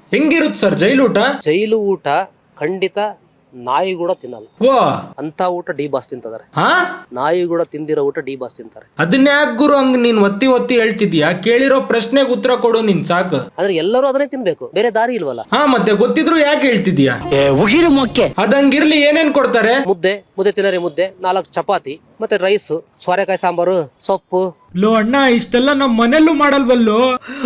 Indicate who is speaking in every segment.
Speaker 1: ಹೆಂಗಿರುತ್ತೆ ಸರ್ ಜೈಲೂಟ?
Speaker 2: ಜೈಲು ಊಟ ಖಂಡಿತ ನಾಯಿ ಕೂಡ ತಿನ್ನಲ್ಲ. ಅಂತ ಊಟ ಡಿ ಬಾಸ್ ತಿಂತಾರೆ. ನಾಯಿ ಕೂಡ ತಿಂದಿರೋ ಊಟ ಡಿ ಬಾಸ್ ತಿಂತಾರೆ.
Speaker 1: ಅದನ್ನ ಯಾಕೆ ಗುರು ಹಂಗ ನೀನ್ ಒತ್ತಿ ಹೇಳ್ತಿದ್ಯಾ? ಕೇಳಿರೋ ಪ್ರಶ್ನೆಗೆ ಉತ್ತರ ಕೊಡು ನೀನ್ ಸಾಕು.
Speaker 2: ಆದ್ರೆ ಎಲ್ಲರೂ ಅದನ್ನೇ ತಿನ್ಬೇಕು, ಬೇರೆ ದಾರಿ ಇಲ್ವಲ್ಲ.
Speaker 1: ಮತ್ತೆ ಗೊತ್ತಿದ್ರು ಯಾಕೆ ಹೇಳ್ತಿದ್ಯಾ? ಅದಂಗಿರ್ಲಿ, ಏನೇನ್ ಕೊಡ್ತಾರೆ?
Speaker 2: ಮುದ್ದೆ ತಿನ್ನರಿ, ಮುದ್ದೆ 4 ಚಪಾತಿ ಮತ್ತೆ ರೈಸ್, ಸೋರೆಕಾಯಿ ಸಾಂಬಾರು, ಸೊಪ್ಪು.
Speaker 1: ಲೋ ಅಣ್ಣ, ಇಷ್ಟೆಲ್ಲ ನಮ್ ಮನೆಯಲ್ಲೂ ಮಾಡಲ್ವಲ್ಲೋ.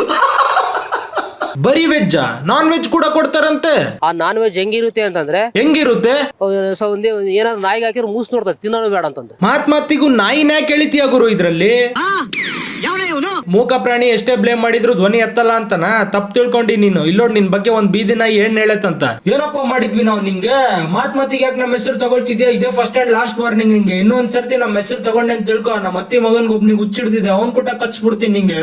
Speaker 1: ಬರೀ ವೆಜ್, ನಾನ್ ವೆಜ್ ಕೂಡ ಕೊಡ್ತಾರಂತೆ.
Speaker 2: ಆ ನಾನ್ ವೆಜ್ ಹೆಂಗಿರುತ್ತೆ ಅಂತಂದ್ರೆ ಏನಾದ್ರು ನಾಯಿಗೆ ಹಾಕಿರೋ ಮೂಸ್ ನೋಡ್ತಾರೆ, ತಿನ್ನೋದು ಬೇಡ ಅಂತಂದ್ರೆ.
Speaker 1: ಮಾತಿಗೂ ನಾಯಿನ ಯಾಕೆ ಎಳಿತೀಯ ಗುರು ಇದ್ರಲ್ಲಿ? ಮೂಕ ಪ್ರಾಣಿ ಎಷ್ಟೇ ಬ್ಲೇಮ್ ಮಾಡಿದ್ರು ಧ್ವನಿ ಎತ್ತಲ್ಲ ಅಂತನ ತಪ್ಪು ತಿಳ್ಕೊಂಡಿ ನೀನು. ಇಲ್ಲೋಡ್ ನಿನ್ ಬಗ್ಗೆ ಒಂದ್ ಬೀದಿ ನಾಯಿ ಏನ್ ಹೇಳತ್ತಂತ. ಏನಪ್ಪ ಮಾಡಿದ್ವಿ ನಾವು ನಿಂಗೆ? ಮಾತಿಗೆ ಯಾಕೆ ನಮ್ಮ ಹೆಸರು ತಗೊಳ್ತಿದ್ಯಾ? ಇದೇ ಫಸ್ಟ್ ಅಂಡ್ ಲಾಸ್ಟ್ ವಾರ್ನಿಂಗ್ ನಿಂಗೆ. ಇನ್ನೊಂದ್ ಸರ್ತಿ ನಮ್ಮ ಹೆಸರು ತಗೊಂಡೆ ಅಂತ ತಿಳ್ಕೊ, ನಮ್ಮ ಅತ್ತಿ ಮಗನ್ಗೆ ಒಬ್ನಿಗೆ ಹುಚ್ಚಿಡ್ತಿದ್ದೆ, ಅವ್ನ್ ಕೂಟ ಕಚ್ಬಿಡ್ತೀನಿ ನಿಂಗೆ.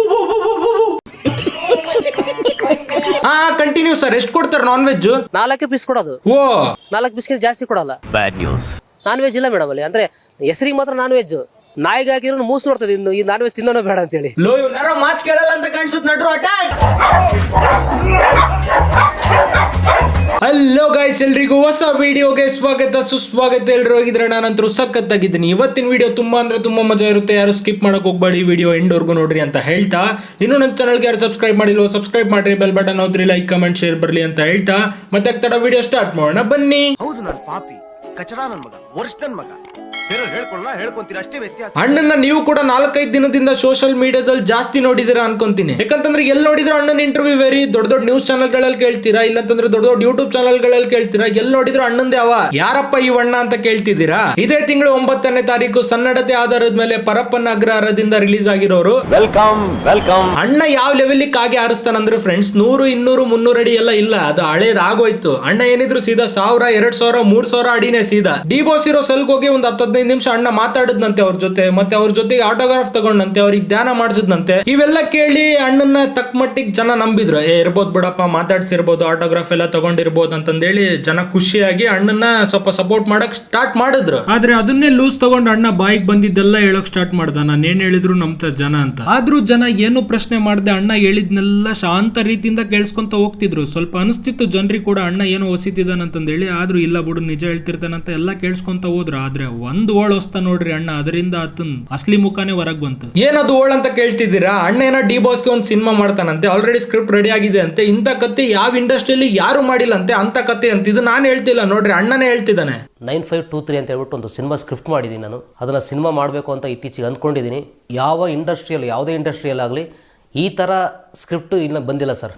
Speaker 1: Continue sir. ಎಷ್ಟು ಕೊಡ್ತಾರೆ ನಾನ್ ವೆಜ್?
Speaker 2: 4 ಪೀಸ್ ಕೊಡೋದು. 4 ಪೀಸ್ಗೆ ಜಾಸ್ತಿ ಕೊಡಲ್ಲ. Bad news. ನಾನ್ ವೆಜ್ ಇಲ್ಲ ಮೇಡಮ್ ಅಲ್ಲಿ. ಅಂದ್ರೆ ಹೆಸರಿಗೆ ಮಾತ್ರ ನಾನ್ ವೆಜ್. ನಾಯಿಗೆ ಹಾಕಿರೋ ಮೂಸ್ ನೋಡ್ತದೆ, ಇನ್ನು ಈ ನಾನ್ ವೆಜ್ ತಿನ್ನೋಣ ಬೇಡ ಅಂತ ಹೇಳಿ.
Speaker 1: ಮಾತ್ ಕೇಳಲ್ಲ ಅಂತ ಕಾಣಿಸುತ್ತೆ ನಡ್ರು. ಹಲೋ ಗೈಸ್, ಎಲ್ರಿಗೂ ಹೊಸ ವಿಡಿಯೋಗೆ ಸ್ವಾಗತ ಸುಸ್ವಾಗತ. ಎಲ್ರು ಹೋಗಿದ್ರೆ ನಾನಂತರೂ ಸಖತ್ತಾಗಿದ್ದೀನಿ. ಇವತ್ತಿನ ವಿಡಿಯೋ ತುಂಬಾ ಅಂದ್ರೆ ತುಂಬಾ ಮಜಾ ಇರುತ್ತೆ. ಯಾರು ಸ್ಕಿಪ್ ಮಾಡಕ್ ಹೋಗ್ಬೇಡಿ, ವಿಡಿಯೋ ಎಂಡ್ವರೆಗೂ ನೋಡ್ರಿ ಅಂತ ಹೇಳ್ತಾ, ಇನ್ನು ನನ್ನ ಚಾನಲ್ಗೆ ಯಾರು ಸಬ್ಸ್ಕ್ರೈಬ್ ಮಾಡಿಲ್ವೋ ಸಬ್ಸ್ಕ್ರೈಬ್ ಮಾಡ್ರಿ, ಬೆಲ್ ಬಟನ್ ಹೋದ್ರಿ, ಲೈಕ್ ಕಮೆಂಟ್ ಶೇರ್ ಬರ್ಲಿ ಅಂತ ಹೇಳ್ತಾ ಮತ್ತೆ ತಡ ವಿಡಿಯೋ ಸ್ಟಾರ್ಟ್ ಮಾಡೋಣ ಬನ್ನಿ.
Speaker 3: ಹೌದು, ನಾನು ಪಾಪಿ ಕಚಡ ನನ್ ಮಗ, ವರ್ಷ ನನ್ ಮಗ.
Speaker 1: ಅಣ್ಣನ ನೀವು ಕೂಡ 4-5 ದಿನದಿಂದ ಸೋಷಿಯಲ್ ಮೀಡಿಯಾದಲ್ಲಿ ಜಾಸ್ತಿ ನೋಡಿದಿರಾ ಅನ್ಕೊಂತೀನಿ. ಯಾಕಂತಂದ್ರೆ ಎಲ್ಲಿ ನೋಡಿದ್ರು ಅಣ್ಣನ ಇಂಟರ್ವ್ಯೂ ವೇರಿ ದೊಡ್ಡ ನ್ಯೂಸ್ ಚಾನಲ್ ಗಳಲ್ಲಿ ಕೇಳ್ತೀರಾ, ಇಲ್ಲಂತಂದ್ರೆ ದೊಡ್ಡ ಯೂಟ್ಯೂಬ್ ಚಾನಲ್ ಗಳಲ್ಲಿ ಕೇಳ್ತೀರಾ. ಎಲ್ಲಿ ನೋಡಿದ್ರು ಅಣ್ಣಂದೇ ಅವ. ಯಾರಪ್ಪ ಈ ಅಣ್ಣ ಅಂತ ಕೇಳ್ತಿದ್ದೀರಾ? ಇದೇ ತಿಂಗಳು 9ನೇ ತಾರೀಕು ಸನ್ನಡತೆ ಆಧಾರದ ಮೇಲೆ ಪರಪ್ಪನ ಅಗ್ರಹಾರದಿಂದ ರಿಲೀಸ್ ಆಗಿರೋರು. ವೆಲ್ಕಮ್. ಅಣ್ಣ ಯಾವ ಲೆವೆಲ್ ಕಾಗೆ ಹಾರಿಸ್ತಾನಂದ್ರೆ ಫ್ರೆಂಡ್ಸ್, 100, 200, 300 ಅಡಿ ಎಲ್ಲ ಇಲ್ಲ, ಅದು ಹಳೇದ್ ಆಗೋಯ್ತು. ಅಣ್ಣ ಏನಿದ್ರು ಸೀದಾ 1000, 2000, 3000 ಅಡಿನೇ ಸೀದಾ. ಡಿ ಬಾಸ್ ಇರೋ ಸೆಲ್ಗೆ ಹೋಗಿ ಒಂದು 10-15 ನಿಮಿಷ ಅಣ್ಣ ಮಾತಾಡಿದ್ನಂತೆ ಅವ್ರ ಜೊತೆ, ಮತ್ತೆ ಅವ್ರ ಜೊತೆಗೆ ಆಟೋಗ್ರಾಫ್ ತಗೊಂಡಂತೆ, ಅವ್ರಿಗೆ ಧ್ಯಾನ ಮಾಡಿಸಿದ್ನಂತೆ. ಇವೆಲ್ಲ ಕೇಳಿ ಅಣ್ಣನ ತಕ್ಕ ಮಟ್ಟಿಗೆ ಜನ ನಂಬಿದ್ರು. ಇರ್ಬೋದು ಬಿಡಪ್ಪ, ಮಾತಾಡ್ಸಿರ್ಬೋದು, ಆಟೋಗ್ರಾಫ್ ಎಲ್ಲ ತಗೊಂಡಿರ್ಬೋದು ಅಂತಂದೇಳಿ ಜನ ಖುಷಿಯಾಗಿ ಅಣ್ಣನ ಸ್ವಲ್ಪ ಸಪೋರ್ಟ್ ಮಾಡಕ್ ಸ್ಟಾರ್ಟ್ ಮಾಡಿದ್ರು. ಆದ್ರೆ ಅದನ್ನೇ ಲೂಸ್ ತಗೊಂಡು ಅಣ್ಣ ಬಾಯಿಗೆ ಬಂದಿದ್ದೆಲ್ಲ ಹೇಳಕ್ ಸ್ಟಾರ್ಟ್ ಮಾಡ್ದ, ನಾನು ಏನ್ ಹೇಳಿದ್ರು ನಂಬ್ತ ಜನ ಅಂತ. ಆದ್ರೂ ಜನ ಏನು ಪ್ರಶ್ನೆ ಮಾಡದೆ ಅಣ್ಣ ಹೇಳಿದ್ನೆಲ್ಲ ಶಾಂತ ರೀತಿಯಿಂದ ಕೇಳಿಸ್ಕೊಂತ ಹೋಗ್ತಿದ್ರು. ಸ್ವಲ್ಪ ಅನಿಸ್ತಿತ್ತು ಜನರಿಗೆ ಕೂಡ ಅಣ್ಣ ಏನೋ ಹೊಸಿತಿದ್ದಾನಂತಂದೇಳಿ. ಆದ್ರೂ ಇಲ್ಲ ಬಿಡು, ನಿಜ ಹೇಳ್ತಿರ್ತಾನಂತ ಎಲ್ಲ ಕೇಳಿಸ್ಕೊಂತ ಹೋದ್ರು. ಆದ್ರೆ ಒಂದು ಓಳ್ ಹೊಸ್ತ ನೋಡ್ರಿ ಅಣ್ಣ, ಅದರಿಂದ ಆತನ್ ಅಸ್ಲಿ ಮುಖಾನೇ ಹೊರಗ್ ಬಂತು. ಏನದು ಓಳ್ ಅಂತ ಕೇಳ್ತಿದ್ದೀರಾ? ಅಣ್ಣ ಏನೋ ಡಿ ಬಾಸ್ಗೆ ಒಂದು ಸಿನಿಮಾ ಮಾಡ್ತಾನಂತೆ, ಆಲ್ರೆಡಿ ಸ್ಕ್ರಿಪ್ಟ್ ರೆಡಿ ಆಗಿದೆ ಅಂತೆ. ಇಂಥ ಕತೆ ಯಾವ ಇಂಡಸ್ಟ್ರಿಯಲ್ಲಿ ಯಾರು ಮಾಡಿಲ್ಲ ಅಂತೆ, ಅಂತ ಕತೆ ಅಂತ. ಇದು ನಾನು ಹೇಳ್ತಿಲ್ಲ ನೋಡ್ರಿ, ಅಣ್ಣನೇ ಹೇಳ್ತಿದ್ದಾನೆ.
Speaker 2: 9523 ಅಂತ ಹೇಳ್ಬಿಟ್ಟು ಒಂದು ಸಿನಿಮಾ ಸ್ಕ್ರಿಪ್ಟ್ ಮಾಡಿದೀನಿ ನಾನು. ಅದನ್ನ ಸಿನಿಮಾ ಮಾಡಬೇಕು ಅಂತ ಇತ್ತೀಚೆಗೆ ಅಂದ್ಕೊಂಡಿದ್ದೀನಿ. ಯಾವ ಇಂಡಸ್ಟ್ರಿಯಲ್ಲಿ, ಯಾವುದೇ ಇಂಡಸ್ಟ್ರಿಯಲ್ಲಿ ಆಗಲಿ ಈ ತರ ಸ್ಕ್ರಿಪ್ಟ್ ಇಲ್ಲ ಬಂದಿಲ್ಲ ಸರ್.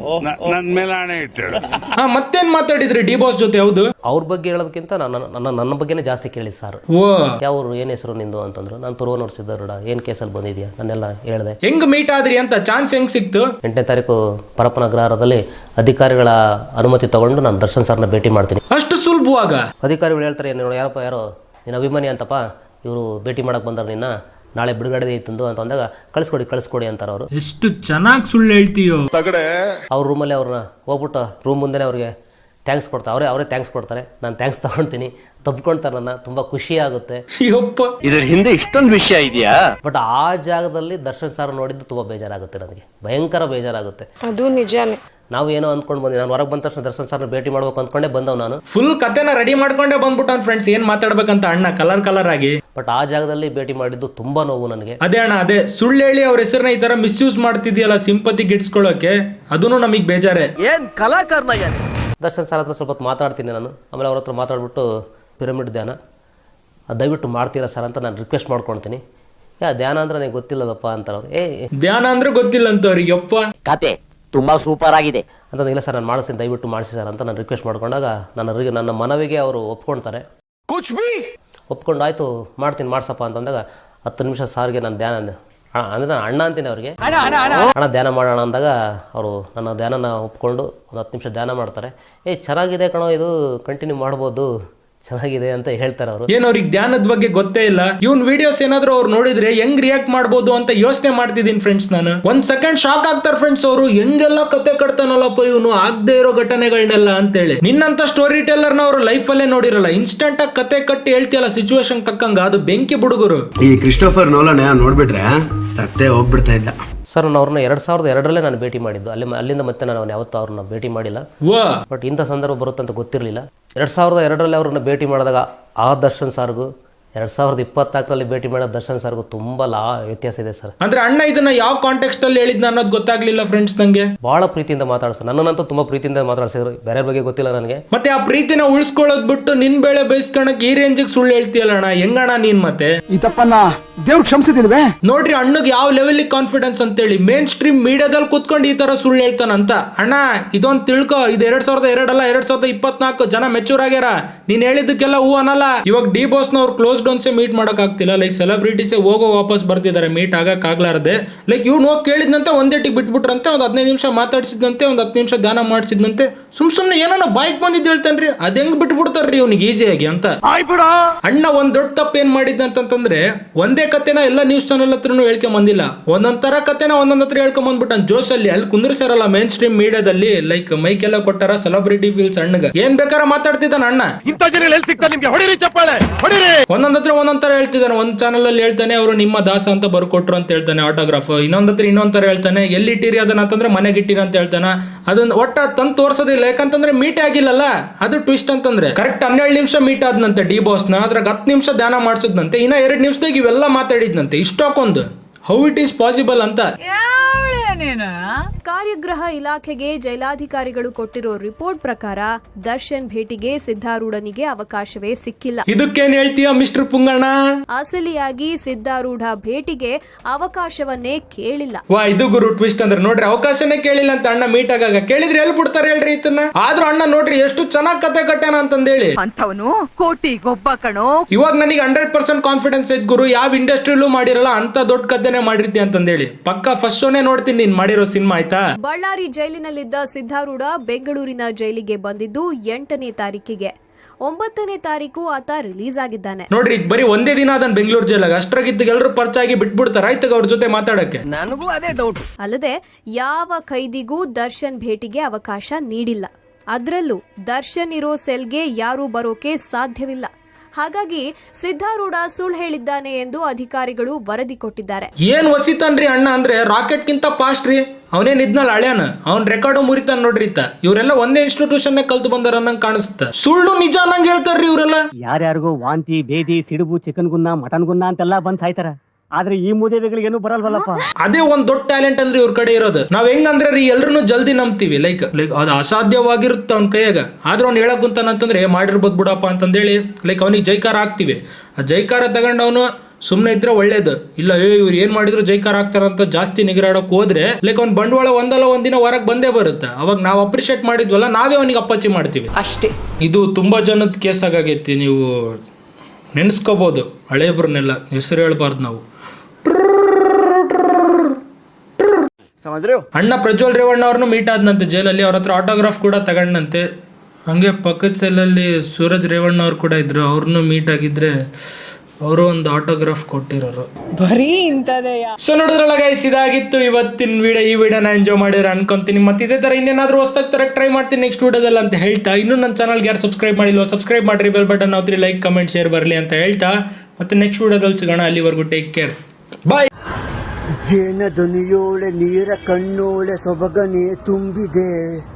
Speaker 1: ಮತ್ತೇನ್ ಮಾತಾಡಿದ್ರಿ ಡಿ ಬಾಸ್ ಜೊತೆ? ಹೌದು,
Speaker 2: ಅವ್ರ ಬಗ್ಗೆ ಹೇಳೋದಕ್ಕಿಂತ ನನ್ನ ಬಗ್ಗೆನೇ ಜಾಸ್ತಿ ಕೇಳಿ ಸರ್. ಯಾವ್ರು, ಏನ್ ಹೆಸರು ನಿಂದು ಅಂತಂದ್ರು. ನಾನು ತುರುವನೂರು ಸಿದ್ದಾರೂಢ, ಏನ್ ಕೇಸಲ್ಲಿ ಬಂದಿದ್ಯಾ, ನನ್ನೆಲ್ಲ ಹೇಳಿದೆ.
Speaker 1: ಹೆಂಗ್ ಮೀಟ್ ಆದ್ರಿ ಅಂತ, ಚಾನ್ಸ್ ಹೆಂಗ್ ಸಿಕ್ತು?
Speaker 2: 8ನೇ ತಾರೀಕು ಪರಪ್ಪನ ಅಗ್ರಹಾರದಲ್ಲಿ ಅಧಿಕಾರಿಗಳ ಅನುಮತಿ ತಗೊಂಡು ನಾನು ದರ್ಶನ್ ಸರ್ನ ಭೇಟಿ ಮಾಡ್ತೀನಿ.
Speaker 1: ಅಷ್ಟು ಸುಲಭವಾಗ
Speaker 2: ಅಧಿಕಾರಿಗಳು ಹೇಳ್ತಾರೆ, ಯಾರೋ ನಿನ್ನ ಅಭಿಮಾನಿ ಅಂತಪ್ಪ, ಇವರು ಭೇಟಿ ಮಾಡಕ್ ಬಂದಾರ, ನಿನ್ನ ನಾಳೆ ಬಿಡುಗಡೆ ಇತ್ತಂದು ಅಂತ ಅಂದಾಗ ಕಳಿಸ್ಕೊಡಿ ಅಂತಾರ ಅವರು.
Speaker 1: ಎಷ್ಟು ಚೆನ್ನಾಗಿ ಸುಳ್ಳು ಹೇಳ್ತೀಯೋ.
Speaker 2: ಅವ್ರ ರೂಮಲ್ಲಿ ಅವ್ರನ್ನ ಹೋಗ್ಬಿಟ್ಟು ರೂಮ್ ಮುಂದೆನೆ ಅವ್ರಿಗೆ ಥ್ಯಾಂಕ್ಸ್ ಕೊಡ್ತಾರೆ. ಅವರೇ ಥ್ಯಾಂಕ್ಸ್ ಕೊಡ್ತಾರೆ. ನಾನು ಥ್ಯಾಂಕ್ಸ್ ತಗೊಳ್ತೀನಿ, ತಬ್ಕೊಳ್ತಾರೆ. ನನ್ನ ತುಂಬಾ ಖುಷಿ ಆಗುತ್ತೆ.
Speaker 3: ಇದ್ರ ಹಿಂದೆ ಇಷ್ಟೊಂದು ವಿಷಯ ಇದೆಯಾ?
Speaker 2: ಬಟ್ ಆ ಜಾಗದಲ್ಲಿ ದರ್ಶನ್ ಸರ್ ನೋಡಿದ್ದು ತುಂಬಾ ಬೇಜಾರಾಗುತ್ತೆ, ನನಗೆ ಭಯಂಕರ ಬೇಜಾರಾಗುತ್ತೆ.
Speaker 4: ಅದು ನಿಜಾನೇ.
Speaker 2: ನಾವು ಏನೋ ಅಂದ್ಕೊಂಡು ಬಂದ್ವಿ. ನಾನು ಹೊರಗೆ ಬಂದ ತಕ್ಷಣ ದರ್ಶನ್ ಸರ್ನ ಭೇಟಿ ಮಾಡ್ಬೇಕು ಅಂದ್ಕೊಂಡೆ ಬಂದವ್ ನಾನು.
Speaker 1: ಫುಲ್ ಕತೆನ ರೆಡಿ ಮಾಡ್ಕೊಂಡೆ ಬಂದ್ಬಿಟ್ಟ ಫ್ರೆಂಡ್ಸ್, ಏನ್ ಮಾತಾಡ್ಬೇಕಂತ ಅಣ್ಣ ಕಲರ್ ಆಗಿ.
Speaker 2: ಬಟ್ ಆ ಜಾಗದಲ್ಲಿ ಭೇಟಿ ಮಾಡಿದ್ದು ತುಂಬಾ ನೋವು ನನಗೆ.
Speaker 1: ಅದೇ ಅಣ್ಣ, ಅದೇ ಸುಳ್ಳು ಹೇಳಿ ಅವ್ರ ಹೆಸರನ್ನ ಈ ತರ ಮಿಸ್ಯೂಸ್ ಮಾಡ್ತಿದ್ಯಲ್ಲ ಸಿಂಪತಿ ಗಿಟ್ಸ್ಕೊಳ್ಳೋಕೆ, ಅದನ್ನು ನಮಗ್ ಬೇಜಾರೆ.
Speaker 3: ಏನ್ ಕಲಾಕಾರನ.
Speaker 2: ದರ್ಶನ್ ಸರ್ ಹತ್ರ ಸ್ವಲ್ಪ ಹೊತ್ತು ಮಾತಾಡ್ತೀನಿ ನಾನು. ಆಮೇಲೆ ಅವ್ರ ಹತ್ರ ಮಾತಾಡ್ಬಿಟ್ಟು ಪಿರಮಿಡ್ ಧ್ಯಾನ ದಯವಿಟ್ಟು ಮಾಡ್ತೀರಾ ಸರ್ ಅಂತ ನಾನು ರಿಕ್ವೆಸ್ಟ್ ಮಾಡ್ಕೊಳ್ತೀನಿ. ಧ್ಯಾನ ಅಂದ್ರೆ ನನಗೆ ಗೊತ್ತಿಲ್ಲದಪ್ಪ ಅಂತಾರೆ ಅವ್ರು.
Speaker 1: ಧ್ಯಾನ ಅಂದ್ರೆ ಗೊತ್ತಿಲ್ಲ ಅಂತ ಅವ್ರಿಗೆ. ಯಪ್ಪ,
Speaker 3: ಕತೆ ತುಂಬಾ ಸೂಪರ್ ಆಗಿದೆ
Speaker 2: ಅಂತ. ಇಲ್ಲ ಸರ್, ನಾನು ಮಾಡಿಸ್ತೀನಿ, ದಯವಿಟ್ಟು ಮಾಡಿಸಿ ಸರ್ ಅಂತ ನಾನು ರಿಕ್ವೆಸ್ಟ್ ಮಾಡ್ಕೊಂಡಾಗ ನನ್ನ ಮನವಿಗೆ ಅವರು ಒಪ್ಕೊಳ್ತಾರೆ. ಒಪ್ಕೊಂಡು ಆಯ್ತು ಮಾಡ್ತೀನಿ ಮಾಡ್ಸಪ್ಪ ಅಂತಂದಾಗ 10 ನಿಮಿಷ ಸಾರಿಗೆ ನಾನು ಧ್ಯಾನ ಅಂದ್ರೆ ನಾನು ಅಣ್ಣ ಅಂತೀನಿ ಅವ್ರಿಗೆ. ಅಣ್ಣ ಧ್ಯಾನ ಮಾಡೋಣ ಅಂದಾಗ ಅವರು ನನ್ನ ಧ್ಯಾನನ ಒಪ್ಕೊಂಡು ಒಂದು 10 ನಿಮಿಷ ಧ್ಯಾನ ಮಾಡ್ತಾರೆ. ಚೆನ್ನಾಗಿದೆ ಕಣೋ, ಇದು ಕಂಟಿನ್ಯೂ ಮಾಡ್ಬೋದು, ಚೆನ್ನಾಗಿದೆ ಅಂತ ಹೇಳ್ತಾರೆ ಅವರು.
Speaker 1: ಏನ್ ಅವ್ರಿಗೆ ಧ್ಯಾನದ ಬಗ್ಗೆ ಗೊತ್ತೇ ಇಲ್ಲ. ಇವನ್ ವಿಡಿಯೋಸ್ ಏನಾದ್ರು ಅವ್ರು ನೋಡಿದ್ರೆ ಹೆಂಗ್ ರಿಯಾಕ್ಟ್ ಮಾಡ್ಬೋದು ಅಂತ ಯೋಚನೆ ಮಾಡ್ತಿದ್ದೀನಿ ಫ್ರೆಂಡ್ಸ್. ನಾನು ಒಂದ್ ಸೆಕೆಂಡ್ ಶಾಕ್ ಆಗ್ತಾರೆ ಫ್ರೆಂಡ್ಸ್. ಅವರು ಹೆಂಗೆಲ್ಲ ಕತೆ ಕಟ್ತಾನಲ್ಲಪ್ಪ ಇವನು, ಆಗದೆ ಇರೋ ಘಟನೆಗಳನ್ನೆಲ್ಲ ಅಂತೇಳಿ. ನಿನ್ನಂತ ಸ್ಟೋರಿ ಟೆಲ್ಲರ್ನ ಅವರು ಲೈಫ್ ಅಲ್ಲೇ ನೋಡಿರಲ್ಲ. ಇನ್ಸ್ಟೆಂಟ್ ಆಗಿ ಕತೆ ಕಟ್ಟಿ ಹೇಳ್ತಿಯಲ್ಲ ಸಿಚುವೇಶನ್ ತಕ್ಕಂಗ, ಅದು ಬೆಂಕಿ ಬುಡುಗರು.
Speaker 5: ಈ ಕ್ರಿಸ್ಟೋಫರ್ ನೋಲನ್ ನೋಡ್ಬಿಟ್ರೆ ಸತ್ತೇ ಹೋಗ್ಬಿಡ್ತಾ ಇದ್ದ.
Speaker 2: ಸರ್ ನಾನು ಅವ್ರನ್ನ 2002 ನಾನು ಭೇಟಿ ಮಾಡಿದ್ದು. ಅಲ್ಲಿಂದ ಮತ್ತೆ ನಾನು ಯಾವತ್ತೂ ಅವ್ರನ್ನ ಭೇಟಿ ಮಾಡಿಲ್ಲ. ಬಟ್ ಇಂಥ ಸಂದರ್ಭ ಬರುತ್ತಂತ ಗೊತ್ತಿರಲಿಲ್ಲ. 2002 ಅವ್ರನ್ನ ಭೇಟಿ ಮಾಡಿದಾಗ ಆ ದರ್ಶನ್ ಸಾರ್ಗೂ 2024 ಭೇಟಿ ಮಾಡೋ ದರ್ಶನ್ ಸರ್ಗೂ ತುಂಬಾ ವ್ಯತ್ಯಾಸ ಇದೆ ಸರ್.
Speaker 1: ಅಂದ್ರೆ ಅಣ್ಣ ಇದನ್ನ ಯಾವ ಕಾಂಟೆಕ್ಸ್ಟ್ ಅಲ್ಲಿ ಹೇಳಿದ್ನ ಅನ್ನೋದು ಗೊತ್ತಾಗ್ಲಿಲ್ಲ ಫ್ರೆಂಡ್ಸ್ ನಂಗೆ.
Speaker 2: ಬಹಳ ಪ್ರೀತಿಯಿಂದ ಮಾತಾಡ್ಸ ನನ್ನಂತೂ ತುಂಬಾ ಪ್ರೀತಿಯಿಂದ ಮಾತಾಡ್ಸಿದ್ರು, ಬೇರೆ ಬಗ್ಗೆ ಗೊತ್ತಿಲ್ಲ ನನಗೆ.
Speaker 1: ಮತ್ತೆ ಆ ಪ್ರೀತಿನ ಉಳಿಸ್ಕೊಳ್ಳೋದ್ ಬಿಟ್ಟು ನಿನ್ ಬೇಳೆ ಬಯಸ್ಕೊಳಕ್ ಈ ರೇಂಜಿಗೆ ಸುಳ್ಳು ಹೇಳ್ತೀಯಲ್ಲ ಅಣ್ಣ, ಹೆಂಗಣ್ಣ ನೀನ್? ಮತ್ತೆ
Speaker 4: ಈ ತಪ್ಪನ್ನ ದೇವ್ರು ಕ್ಷಮಿಸಿದಿಲ್ವೇ?
Speaker 1: ನೋಡ್ರಿ ಅಣ್ಣಗ್ ಯಾವ ಲೆವೆಲ್ ಕಾನ್ಫಿಡೆನ್ಸ್ ಅಂತೇಳಿ ಮೇನ್ ಸ್ಟ್ರೀಮ್ ಮೀಡಿಯಾದಲ್ಲಿ ಕುತ್ಕೊಂಡು ಈ ತರ ಸುಳ್ಳು ಹೇಳ್ತಾನಂತ. ಅಣ್ಣ ಇದೊಂದು ತಿಳ್ಕೊ, ಇದು 2002 ಅಲ್ಲ 2024 ಜನ ಮೆಚೂರ್ ಆಗ್ಯಾರ. ನೀನ್ ಹೇಳಿದ್ದಕ್ಕೆಲ್ಲ ಹೂ ಅನ್ನಲ್ಲ. ಇವಾಗ ಡಿ ಬಾಸ್ ನವ್ರು ಕ್ಲೋಸ್ ಡೌನ್ಸೇ ಮೀಟ್ ಮಾಡಕ್ ಆಗ್ತಿಲ್ಲ. ಲೈಕ್ ಸೆಲೆಬ್ರಿಟೀಸೇ ಹೋಗೋ ವಾಪಸ್ ಬರ್ತಿದ್ದಾರೆ, ಮೀಟ್ ಆಗಕ್ ಆಗ್ಲಾರ್ದೆ. ಲೈಕ್ ಇವ್ನು ಹೋಗಿ ಕೇಳಿದ್ನಂತೆ ಒಂದೇಟಿಗೆ ಬಿಟ್ಬಿಟ್ರಂತೆ, ಒಂದ್ 15 ನಿಮಿಷ ಮಾತಾಡ್ಸಿದ್ನಂತೆ, ಒಂದ್ 10 ನಿಮಿಷ ಧ್ಯಾನ ಮಾಡಿಸಿದ್ನಂತೆ. ಸುಮ್ನೆ ಏನೋ ಬಾಯ್ಕ್ ಬಂದಿದ್ದು ಹೇಳ್ತಾನ್ರಿ, ಅದ್ ಹೆಂಗ್ ಬಿಟ್ಬಿಡ್ತಾರ್ರಿ ಅವ್ನಿಗೆ ಈಸಿಯಾಗಿ ಅಂತ. ಅಣ್ಣ ಒಂದ್ ದೊಡ್ಡ ತಪ್ಪು ಏನ್ ಮಾಡಿದ್ದಂತಂದ್ರೆ ಒಂದೇ ಕತೆನ ಎಲ್ಲ ನ್ಯೂಸ್ ಚಾನಲ್ ಹತ್ರನು ಹೇಳ್ಕೊಂಡ್ ಬಂದಿಲ್ಲ, ಒಂದೊಂದ್ ತರ ಕತೆನ ಒಂದೊಂದ್ ಹತ್ರ ಹೇಳ್ಕೊಂಡ್ ಬಂದ್ಬಿಟ್ಟ ಜೋಶಲ್ಲಿ. ಅಲ್ಲಿ ಕುಂದ್ರಿಸಾರಲ್ಲ ಮೇನ್ ಸ್ಟ್ರೀಮ್ ಮೀಡಿಯಾದಲ್ಲಿ, ಲೈಕ್ ಮೈಕ್ ಎಲ್ಲ ಕೊಟ್ಟಾರ, ಸೆಲೆಬ್ರಿಟಿ ಫೀಲ್ಸ್ ಅಣ್ಣಗ ಏನ್ ಬೇಕಾರ ಮಾತಾಡ್ತಿದ್ದಾನ ಅಣ್ಣ. ಒಂದೊಂದ್ ಹತ್ರ ಒಂದೊಂದ್ ತರ ಹೇಳ್ತಿದ್ದಾನೆ. ಒಂದ್ ಚಾನಲ್ ಅಲ್ಲಿ ಹೇಳ್ತಾನೆ ಅವರು ನಿಮ್ಮ ದಾಸ ಅಂತ ಬರ್ಕೊಟ್ರು ಅಂತ ಹೇಳ್ತಾನೆ ಆಟೋಗ್ರಾಫ್. ಇನ್ನೊಂದ್ ಹತ್ರ ಇನ್ನೊಂದ್ ತರ ಹೇಳ್ತಾನೆ, ಎಲ್ಲಿ ಇಟ್ಟಿರಿ ಅದನ್ನ ಅಂತಂದ್ರೆ ಮನೆಗೆ ಇಟ್ಟಿರಿ ಅಂತ ಹೇಳ್ತಾನ. ಅದನ್ನ ಒಟ್ಟ ತಂದು ತೋರ್ಸೋದಿಲ್ಲ, ಯಾಕಂತಂದ್ರೆ ಮೀಟ್ ಆಗಿಲ್ಲಲ್ಲ, ಅದು ಟ್ವಿಸ್ಟ್ ಅಂತಂದ್ರೆ. ಕರೆಕ್ಟ್ 12 ನಿಮಿಷ ಮೀಟ್ ಆದ್ನಂತೆ ಡಿ ಬಾಸ್ ನ, ಅದ್ರಾಗ 10 ನಿಮಿಷ ಧ್ಯಾನ ಮಾಡಿಸಿದ್ನಂತೆ, ಇನ್ನ 2 ನಿಮಿಷದಾಗ ಇವೆಲ್ಲ ಮಾತಾಡಿದ್ನಂತೆ. ಇಷ್ಟಕ್ಕೊಂದು ಹೌ ಇಟ್ ಈಸ್ ಪಾಸಿಬಲ್ ಅಂತ.
Speaker 5: ಕಾರ್ಯಗೃಹ ಇಲಾಖೆಗೆ ಜೈಲಾಧಿಕಾರಿಗಳು ಕೊಟ್ಟಿರೋ ರಿಪೋರ್ಟ್ ಪ್ರಕಾರ ದರ್ಶನ್ ಭೇಟಿಗೆ ಸಿದ್ಧಾರೂಢನಿಗೆ ಅವಕಾಶವೇ ಸಿಕ್ಕಿಲ್ಲ.
Speaker 1: ಇದಕ್ಕೇನ್ ಹೇಳ್ತೀಯ ಮಿಸ್ಟರ್ ಪುಂಗಣ್ಣ?
Speaker 5: ಅಸಲಿಯಾಗಿ ಸಿದ್ಧಾರೂಢ ಭೇಟಿಗೆ ಅವಕಾಶವನ್ನೇ ಕೇಳಿಲ್ಲ.
Speaker 1: ವಾ, ಇದು ಗುರು ಟ್ವಿಸ್ಟ್ ಅಂದ್ರೆ. ನೋಡ್ರಿ ಅವಕಾಶನೇ ಕೇಳಿಲ್ಲ ಅಂತ ಅಣ್ಣ ಮೀಟ್ ಆಗಾಗ. ಕೇಳಿದ್ರೆ ಎಲ್ಲಿ ಬಿಡ್ತಾರೆ ಹೇಳ್ರಿ ಇದನ್ನ? ಆದ್ರೂ ಅಣ್ಣ ನೋಡ್ರಿ ಎಷ್ಟು ಚೆನ್ನಾಗ್ ಕತೆ ಕಟ್ಟಾನ ಅಂತಂದೇಳಿ.
Speaker 6: ಅಂತವನು ಕೋಟಿಗೊಬ್ಬ ಕಣೋ.
Speaker 1: ಇವಾಗ ನನಗೆ 100% ಕಾನ್ಫಿಡೆನ್ಸ್ ಐತ್ ಗುರು, ಯಾವ ಇಂಡಸ್ಟ್ರಿಲೂ ಮಾಡಿರಲ್ಲ ಅಂತ ದೊಡ್ಡ ಕತೆನೆ ಮಾಡಿರ್ತಿ ಅಂತಂದೇಳಿ. ಪಕ್ಕ ಫಸ್ಟ್ ಶೋನೇ ನೋಡ್ತೀನಿ ನೀನ್ ಮಾಡಿರೋ ಸಿನಿಮಾ, ಆಯ್ತಾ?
Speaker 5: ಬಳ್ಳಾರಿ ಜೈಲಿನಲ್ಲಿದ್ದ ಸಿದ್ಧಾರೂಢ ಬೆಂಗಳೂರಿನ ಜೈಲಿಗೆ ಬಂದಿದ್ದು 8ನೇ ತಾರೀಕಿಗೆ. 9ನೇ ತಾರೀಕು ಆತ ರಿಲೀಸ್ ಆಗಿದ್ದಾನೆ.
Speaker 1: ನೋಡ್ರಿ ಬರೀ ಒಂದೇ ದಿನ ಅದನ್ನ ಬೆಂಗಳೂರು ಜೈಲಾಗ. ಅಷ್ಟ್ರಾಗಿದ್ದ ಎಲ್ಲರೂ ಪರಿಚಯ ಆಗಿ ಬಿಟ್ಬಿಡ್ತಾರ ಆಯ್ತಾಗ ಅವ್ರ ಜೊತೆ ಮಾತಾಡಕ್ಕೆ.
Speaker 3: ನನಗೂ ಅದೇ ಡೌಟ್.
Speaker 5: ಅಲ್ಲದೆ ಯಾವ ಖೈದಿಗೂ ದರ್ಶನ್ ಭೇಟಿಗೆ ಅವಕಾಶ ನೀಡಿಲ್ಲ. ಅದ್ರಲ್ಲೂ ದರ್ಶನ್ ಇರೋ ಸೆಲ್ಗೆ ಯಾರೂ ಬರೋಕೆ ಸಾಧ್ಯವಿಲ್ಲ. ಹಾಗಾಗಿ ಸಿದ್ಧಾರೂಢ ಸುಳ್ಳು ಹೇಳಿದ್ದಾನೆ ಎಂದು ಅಧಿಕಾರಿಗಳು ವರದಿ ಕೊಟ್ಟಿದ್ದಾರೆ.
Speaker 1: ಏನ್ ವಸಿತಾನ್ರಿ ಅಣ್ಣ ಅಂದ್ರೆ ರಾಕೆಟ್ ಗಿಂತ ಫಾಸ್ಟ್ ರೀ. ಅವನೇನ್ ಇದ್ನಲ್ಲ ಹಳ್ಯಾನ, ಅವ್ನ್ ರೆಕಾರ್ಡ್ ಮುರಿತಾನ ನೋಡ್ರಿ. ಇವರೆಲ್ಲ ಒಂದೇ ಇನ್ಸ್ಟಿಟ್ಯೂಷನ್ ಕಲ್ತು ಬಂದಾರ ಅನ್ನಂಗ್ ಕಾಣಿಸುತ್ತೆ. ಸುಳ್ಳು ನಿಜ ಅನ್ನಂಗ್ ಹೇಳ್ತಾರ್ರಿ ಇವರೆಲ್ಲ.
Speaker 7: ಯಾರ್ಯಾರಿಗೂ ವಾಂತಿ, ಬೇದಿ, ಸಿಡುಬು, ಚಿಕನ್ ಗುನ್ನ, ಮಟನ್ ಗುನ್ನ ಅಂತೆಲ್ಲ ಬಂದ್ ಸಾಯ್ತಾರ. ಆದ್ರೆ ಈ ಮೂದೇವಿಗಳಿಗೇನು ಬರಲ್ವಲ್ಲಪ್ಪ.
Speaker 1: ಅದೇ ಒಂದ್ ದೊಡ್ಡ ಟ್ಯಾಲೆಂಟ್ ಅಂದ್ರೆ ಇವ್ರ ಕಡೆ ಇರೋದು. ನಾವ್ ಹೆಂಗಂದ್ರೆ ರೀ ಎಲ್ರು ಜಲ್ದಿ ನಂಬ್ತೀವಿ. ಲೈಕ್ ಅದು ಅಸಾಧ್ಯವಾಗಿರುತ್ತೆ ಅವ್ನ ಕೈಯಾಗ. ಆದ್ರೆ ಅವ್ನು ಹೇಳಕ್ ಕುಂತಾನಂತಂದ್ರೆ ಮಾಡಿರ್ಬೋದು ಬಿಡಪ್ಪ ಅಂತಂದೇಳಿ ಲೈಕ್ ಅವನಿಗೆ ಜೈಕಾರ ಹಾಕ್ತಿವಿ. ಆ ಜೈಕಾರ ತಗೊಂಡು ಅವನು ಸುಮ್ನೆ ಇದ್ರೆ ಒಳ್ಳೇದು. ಇಲ್ಲ ಇವ್ರು ಏನ್ ಮಾಡಿದ್ರು ಜೈಕಾರ ಹಾಕ್ತಾರಂತ ಜಾಸ್ತಿ ನಿಗರಾಡಕ್ ಹೋದ್ರೆ ಲೈಕ್ ಅವ್ನ ಬಂಡವಾಳ ಒಂದಲ್ಲ ಒಂದಿನ ಹೊರಗೆ ಬಂದೇ ಬರುತ್ತೆ. ಅವಾಗ ನಾವು ಅಪ್ರಿಶಿಯೇಟ್ ಮಾಡಿದ್ವಲ್ಲ, ನಾವೇ ಅವನಿಗೆ ಅಪ್ಪಚ್ಚಿ ಮಾಡ್ತೀವಿ
Speaker 6: ಅಷ್ಟೇ.
Speaker 1: ಇದು ತುಂಬಾ ಜನದ ಕೇಸ್ ಆಗೈತಿ. ನೀವು ನೆನ್ಸ್ಕೋಬಹುದು ಹಳೇಬ್ರನ್ನೆಲ್ಲ, ಹೆಸರು ಹೇಳ್ಬಾರ್ದು ನಾವು. ಅಣ್ಣ ಪ್ರಜ್ವಲ್ ರೇವಣ್ಣ ಅವ್ರನ್ನು ಮೀಟ್ ಆದ್ನಂತೆ ಜೈಲಲ್ಲಿ. ಅವ್ರ ಹತ್ರ ಆಟೋಗ್ರಾಫ್ ಕೂಡ ತಗೊಂಡಂತೆ. ಹಂಗೆ ಪಕ್ಕದ ಸೆಲ್ಲಲ್ಲಿ ಸೂರಜ್ ರೇವಣ್ಣ ಅವ್ರು ಕೂಡ ಇದ್ರು, ಅವ್ರನ್ನು ಮೀಟ್ ಆಗಿದ್ರೆ ಅವರು ಒಂದು ಆಟೋಗ್ರಾಫ್ ಕೊಟ್ಟಿರೋರು.
Speaker 6: ಬರೀ ಇಂಥದೆಯಾ?
Speaker 1: ಸೊ ನೋಡಿದ್ರಲ್ಲ ಗೈಸ್, ಇದಾಗಿತ್ತು ಇವತ್ತಿನ ವಿಡಿಯೋ. ಈ ವಿಡಿಯೋನ ಎಂಜಾಯ್ ಮಾಡಿದ್ರೆ ಅನ್ಕೊಂತೀನಿ. ಮತ್ತೆ ಇದೇ ತರ ಇನ್ನೇನಾದ್ರೂ ಹೊಸದಾಗಿ ತರ ಟ್ರೈ ಮಾಡ್ತೀನಿ ನೆಕ್ಸ್ಟ್ ವಿಡಿಯೋದಲ್ಲಿ ಅಂತ ಹೇಳ್ತಾ, ಇನ್ನೂ ನನ್ನ ಚಾನಲ್ಗೆ ಯಾರು ಸಬ್ಸ್ಕ್ರೈಬ್ ಮಾಡಿಲ್ವೋ ಸಬ್ಸ್ಕ್ರೈಬ್ ಮಾಡ್ರಿ, ಬೆಲ್ ಬಟನ್ ಹಾಕ್ರಿ, ಲೈಕ್ ಕಮೆಂಟ್ ಶೇರ್ ಬರಲಿ ಅಂತ ಹೇಳ್ತಾ ಮತ್ತೆ ನೆಕ್ಸ್ಟ್ ವಿಡಿಯೋದಲ್ಲಿ ಸಿಗೋಣ. ಅಲ್ಲಿವರೆಗೂ ಟೇಕ್ ಕೇರ್, ಬಾಯ್.
Speaker 8: ಜೇನ ಧ್ವನಿಯೋಳೆ ನೀರ ಕಣ್ಣೋಳೆ ಸೊಬಗನೆ ತುಂಬಿದೆ.